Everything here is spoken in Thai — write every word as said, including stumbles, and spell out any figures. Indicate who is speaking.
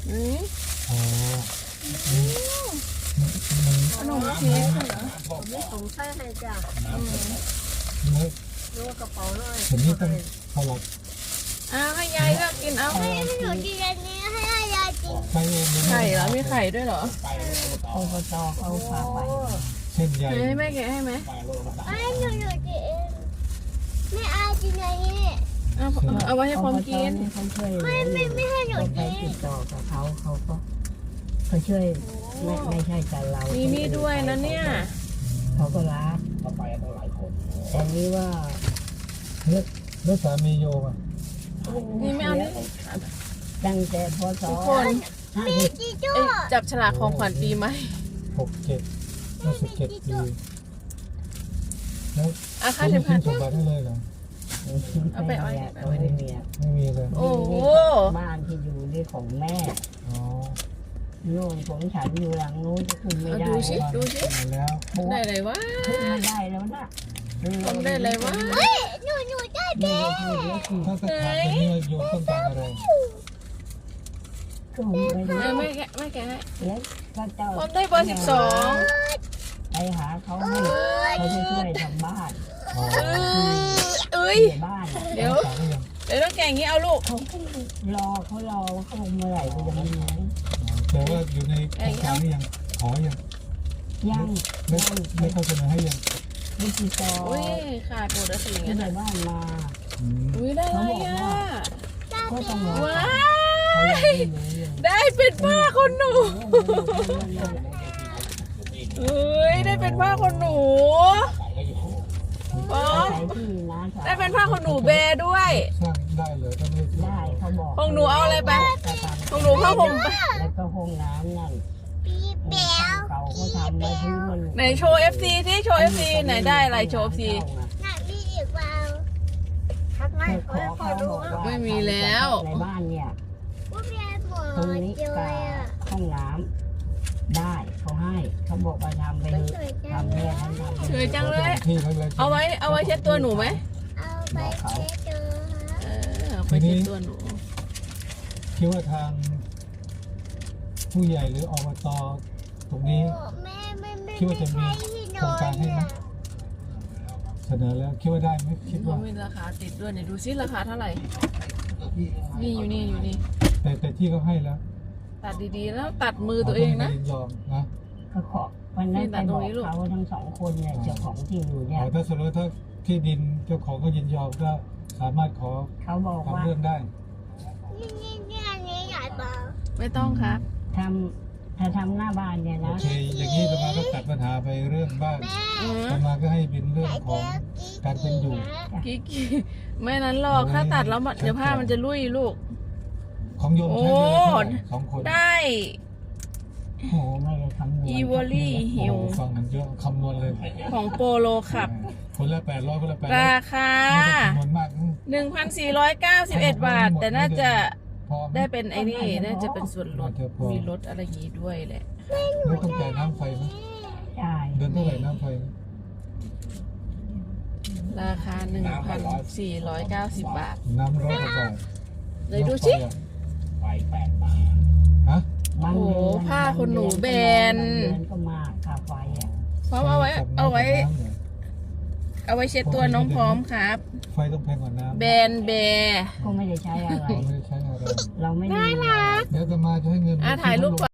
Speaker 1: นี่
Speaker 2: อ๋อ
Speaker 1: ขนมเค้กเหรอ
Speaker 3: ไม่สงสัยให้จ้ะ
Speaker 2: ไม่
Speaker 3: ดูกระเป๋าเลย
Speaker 2: ผมนี่ต้องเท่าไหร่
Speaker 1: อ้าวให้ยายเลือกกินเอา
Speaker 4: ให้หนูกินอันนี้ให้ยายกิน
Speaker 2: ใช่เอง
Speaker 1: ไข่เหรอมีไข่ด้วยเหรอ
Speaker 3: อบจเขาพาไป
Speaker 2: เส้นใหญ่
Speaker 1: ให้แม่แกะให้ไหม
Speaker 4: ให้หนูหนูกินเองไม่เอากินอันนี้
Speaker 1: เอาเอาไว้ให้พร้อมกิน
Speaker 3: เขาช่วย
Speaker 4: ไม่ไม่ไม่ให้หนู
Speaker 3: เราไป
Speaker 4: กิน
Speaker 3: ติดต่อกับเขาเขาก็เขาช่วยไม่ไม่ใช่แต่เรา
Speaker 1: มี
Speaker 3: มี
Speaker 1: นี่ด้วยนะเนี่ย
Speaker 3: เขาก็รับแต่นี้ว่า
Speaker 2: เลือดเลือดสามีโยมอ่ะ
Speaker 1: นี่ไม่เอานี่
Speaker 3: ตั้งแต่พศ
Speaker 1: ทุกคน
Speaker 3: ห้า
Speaker 4: มี
Speaker 3: สิบ
Speaker 4: จิจู
Speaker 1: เอ้ยจับฉลากของขวัญปีใหม่
Speaker 2: หกเจ็ดห้าสิบเจ็ดปีแล้ว
Speaker 1: อ่ะค่า
Speaker 2: คุณ
Speaker 1: เข็มขั
Speaker 2: ขึ้
Speaker 1: ด
Speaker 2: นสมบัติได้เลยเหรอ
Speaker 1: เอาไปเอาไว้
Speaker 3: เขาไม่มีอะ
Speaker 2: ไม่มีเลย
Speaker 1: โอ้โห
Speaker 3: บ้านที่อยู่นี่ของแม่
Speaker 2: อ๋อ
Speaker 3: โน่นของฉันอยู่หลังนู้นจะขึ้นไม่ได้
Speaker 1: ดูสิดูสิ
Speaker 2: มาแล้ว
Speaker 1: ได้เลยวะ
Speaker 3: ขึ้นไม่ได้แล้วนะ
Speaker 1: ทำได้เลยวะ
Speaker 4: เฮ้ยหนูหนูได้
Speaker 3: ดูดูดูดู
Speaker 2: ถ้าสถานตรงนี้โยมต้องการอะไร
Speaker 3: ก็ไม่
Speaker 1: เอ
Speaker 3: ได้
Speaker 1: อไม่แกะไม่แกะให้
Speaker 3: แล้วก็เจ้า
Speaker 1: ผมได้เบอร์สิบสอง
Speaker 3: ไปหาเขาให้เขาจะช่วยทำบ้าน
Speaker 2: อ๋อ
Speaker 1: เอ้ย
Speaker 3: ช่วยบ้าน
Speaker 1: เดี๋ยว
Speaker 2: ต่างกันยัง
Speaker 1: เดี๋ยวต้องแกะอย่างนี้เอาลูก
Speaker 3: เขาก็รอเขารอเขาลงเมื่อไหร่ก็จะไม่รู้
Speaker 2: แต่ว่าอยู่ในโครงการนี้ยังขอยัง
Speaker 3: ยัง
Speaker 2: ไม่ไม่เข้าเสนอให้ยัง
Speaker 3: วิธีต่อ
Speaker 1: อุ้ยขาดหมดแล้วสิอย่าง
Speaker 3: ที่
Speaker 1: เงี้ย
Speaker 3: ในบ้านมา
Speaker 2: อืม
Speaker 1: อุ้ยได้อะไรอ่ะ
Speaker 3: ก็ต้องรอ
Speaker 1: ว้า
Speaker 3: เขายัง
Speaker 1: ย
Speaker 3: ไม่รู้เลย
Speaker 1: ได้เป็นผ้าคนหนูเอ้ยได้เป็นผ้าคนหนูอ๋อ
Speaker 3: ใช้ที่นะ
Speaker 1: ได้เป็นผ้าคนหนูแบร์ด้วย
Speaker 2: สร้างได้เลยถ้าไม่
Speaker 3: ได้เขาบอก
Speaker 1: ของหนูเอาอะไรไปของหนูผ้าห่มไป
Speaker 3: แล้วก็ห้องน้ำนั่น
Speaker 4: ปีเปียว
Speaker 3: เก่าเขาทำมาที่มัน
Speaker 1: ไหนโชว์ เอฟ ซี ที่โชว์ เอฟ ซี ไหนได้อะไรโชว์ เอฟ ซี
Speaker 4: หนักมีอีกเปล่าทักไล
Speaker 3: ขอเขาบอกว่า
Speaker 1: ไม่มีแล้ว
Speaker 3: ในบ้านเนี่ย
Speaker 4: ว่าเรียนหมอ
Speaker 3: ตรงนี้
Speaker 4: เจอ
Speaker 3: กับ
Speaker 4: อ่ะ
Speaker 3: ห้องน้ำได้เขาให้เขาบอกว่าทำไปเถอะทำเนี่ยทำทำไป
Speaker 1: สวยจังเลย
Speaker 2: ที่เขาเลย
Speaker 1: เอาไว้เอาไว้เช็ดตัวหนูไหม
Speaker 4: เอาไปเจอ
Speaker 1: เออเอาไปเช็ดตัวหนู
Speaker 2: คิดว่าทางผู้ใหญ่หรืออบตตรงนี้
Speaker 4: แม่ไม่ไม่
Speaker 2: คิดว่าจะมี
Speaker 4: ที่
Speaker 2: โครงการให้ไหมเสนอแล้วคิดว่าได้ไหมคิดว่า
Speaker 1: มีราคาติดด้วยเนี่ยดูซิราคาเท่าไหร่ นี่อยู่นี่อยู่นี่
Speaker 2: แต่แต่ที่เขาให้แล้ว
Speaker 1: ตัดดีๆแล้วตัดมือตัวเองนะ
Speaker 2: ขาต้ไม่ยอมนะ
Speaker 3: ก็ขอวันนั้นไปบอกเขาทั้งสองคนเนี่ยเจ้าของที่อยู่เนี่ย
Speaker 2: อ๋อถ้าสมมติถ้าที่ดินเจ้าของเขายินยอมก็สามารถขอ
Speaker 3: เขาบอกว่า
Speaker 2: ทำเรื่องได้
Speaker 4: นี่นี่นี่อันนี้ใหญ่เปล่า
Speaker 1: ไม่ต้องครับ
Speaker 3: ทำถ้าทำหน้าบ้านเนี่ย
Speaker 2: โอ
Speaker 3: นะ
Speaker 2: เค อย่างนี้ประมาก็ตัดปัญหาไปเรื่องบ้าน
Speaker 4: แม่
Speaker 1: อืม
Speaker 2: ประมาก็ให้เป็นเรื่องของการเป็นอยู่
Speaker 1: กิ๊กไม่นั้นหรอกถ้าตัดแล้วมันเดี๋ยวผ้ามันจะลุยลูก
Speaker 2: ของโยมใช้เดือนละเท่าไหร่สองคน
Speaker 1: ได้
Speaker 3: โอ้โหไม่ได้คำนวณ
Speaker 1: อีวอรี่หิว
Speaker 2: โอ้ฟังกันเยอะคำนวณเลย
Speaker 1: ของโปโลขับ
Speaker 2: คนละแปดร้อยคนละแปดร้อย
Speaker 1: ราคา
Speaker 2: คำนวณมาก
Speaker 1: หนึ่งพันสี่ร้อยเก้าสิบเอ็ด บาท แต่น่าจะ
Speaker 2: พอไหม
Speaker 1: ได้เป็นไอ้นี่ น่าจะเป็นส่วนลด มีลดอะไรอย่างงี้ด้วยแหละ
Speaker 2: แล้วต้องจ่ายน้ำไฟไหม
Speaker 3: ใช่
Speaker 2: เดือนเท่าไหร่น้ำไฟไหม
Speaker 1: ราคา หนึ่งพันสี่ร้อยเก้าสิบ บาท
Speaker 2: น้ำร้อยกว่าบาท
Speaker 1: เลยดูสิ
Speaker 2: ฮะ
Speaker 3: บาง
Speaker 1: โอ้โห
Speaker 3: เดือน
Speaker 1: ผ้าขนหนูแบน
Speaker 3: บางเดือนก็มากค่าไฟอ่ะ
Speaker 1: พร้อมเอาไว้ เอาไว้ เอาไว้เช็ดตัวน้องพร้อมครับ
Speaker 2: ไฟต้องแพงกว่าน้ำ
Speaker 1: แบนแบร์
Speaker 3: ก็ไม่ได้ใช้อะไร
Speaker 2: เราไม่ได้ใช้อะไร
Speaker 3: เราไม่มี
Speaker 2: เดี๋ยวจะมาจะให้เงิน
Speaker 1: อ่ะถ่ายรูปก่อน